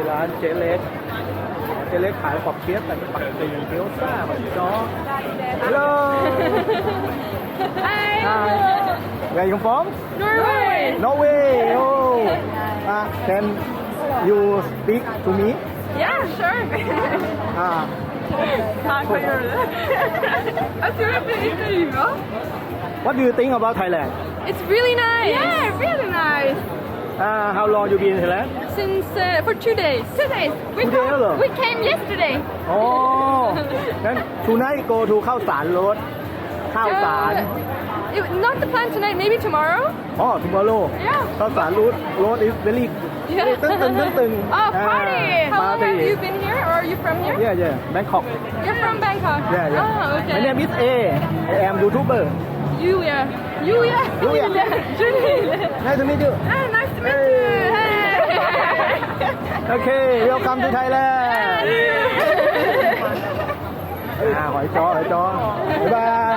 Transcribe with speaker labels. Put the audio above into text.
Speaker 1: ร้านเจ๊เล็กเจ๊เล็กขายปอบเปี๊ยะแต่ปักกิ่งเกี๊ยวซ่าแบบจ้อ Hello Hi Where you from
Speaker 2: Norway.
Speaker 1: Norway Oh Can you speak to me
Speaker 2: Yeah, sure.
Speaker 1: What do you think about Thailand
Speaker 2: It's really nice. Yeah, really nice.
Speaker 1: How long you been in Thailand
Speaker 2: Since for 2 days. 2 days.
Speaker 1: Two daysเหรอ
Speaker 2: We came yesterday.
Speaker 1: อ๋องั้น tonight go to ข้าวสารรถข้าวสาร
Speaker 2: Not the plan tonight. Maybe tomorrow.
Speaker 1: อ๋อ tomorrow
Speaker 2: Yeah.
Speaker 1: ข้าวสารรถ is very
Speaker 2: Yeah.
Speaker 1: ตึง
Speaker 2: Oh, party. How long have you been here, or are you from here?
Speaker 1: Yeah Bangkok
Speaker 2: You're from Bangkok.
Speaker 1: Yeah
Speaker 2: Oh, okay.
Speaker 1: My name is A I am YouTuber
Speaker 2: Yulia.
Speaker 1: Yulia.
Speaker 2: Julia.
Speaker 1: Nice to meet you
Speaker 2: Hey, nice to meet you. Hey.
Speaker 1: Okay welcome to Thailand หอยจ้อบ๊ายบาย